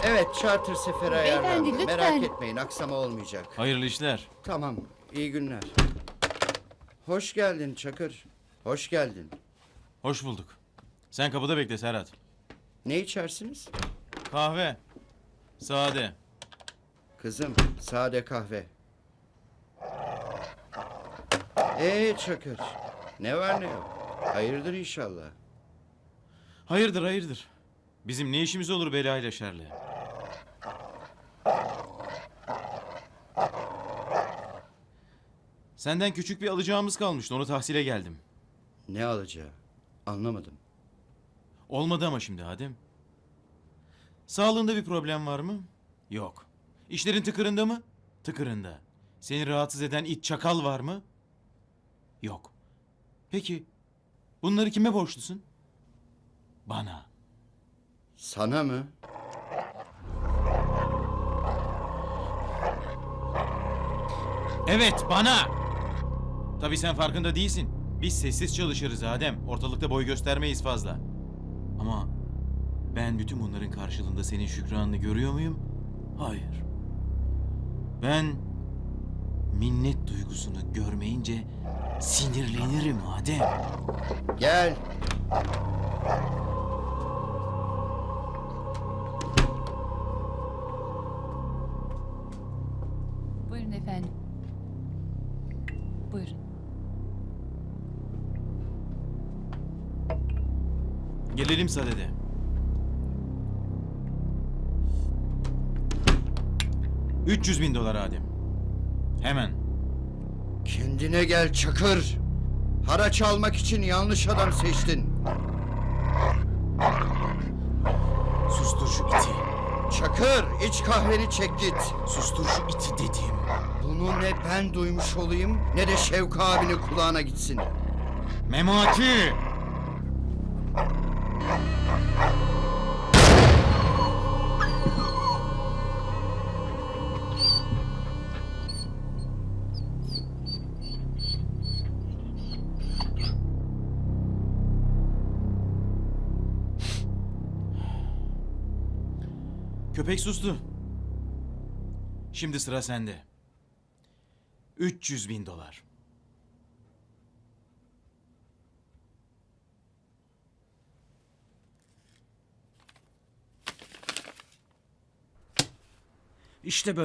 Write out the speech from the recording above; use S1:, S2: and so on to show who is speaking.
S1: Evet, charter seferi ayarlandı.
S2: lütfen.
S1: Merak etmeyin, aksama olmayacak.
S3: Hayırlı işler.
S1: Tamam, iyi günler. Hoş geldin Çakır. Hoş geldin.
S3: Hoş bulduk. Sen kapıda bekle Serhat.
S1: Ne içersiniz?
S3: Kahve. Sade.
S1: Kızım, sade kahve. Çakır, ne var ne yok? Hayırdır inşallah.
S3: Hayırdır hayırdır. Bizim ne işimiz olur belayla şerle? Senden küçük bir alacağımız kalmıştı. Onu tahsile geldim.
S1: Ne alacağı? Anlamadım.
S3: Olmadı ama şimdi Adem. Sağlığında bir problem var mı? Yok. İşlerin tıkırında mı? Tıkırında. Seni rahatsız eden it çakal var mı? Yok. Peki bunları kime borçlusun? Bana.
S1: Sana mı?
S3: Evet bana. Tabii sen farkında değilsin. Biz sessiz çalışırız Adem. Ortalıkta boy göstermeyiz fazla. Ama ben bütün bunların karşılığında senin şükranını görüyor muyum? Hayır. Ben minnet duygusunu görmeyince sinirlenirim Adem.
S1: Gel.
S2: Buyurun efendim. Buyurun.
S3: Gelelim sadede. $300.000 Adem. Hemen.
S1: Kendine gel Çakır. Haraç almak için yanlış adam seçtin.
S3: Sustur şu iti.
S1: Çakır, iç kahveni çek git.
S3: Sustur şu iti dedim.
S1: Bunu ne ben duymuş olayım ne de Şevki abinin kulağına gitsin.
S3: Memati! Köpek sustu. Şimdi sıra sende. $300.000. İşte böyle.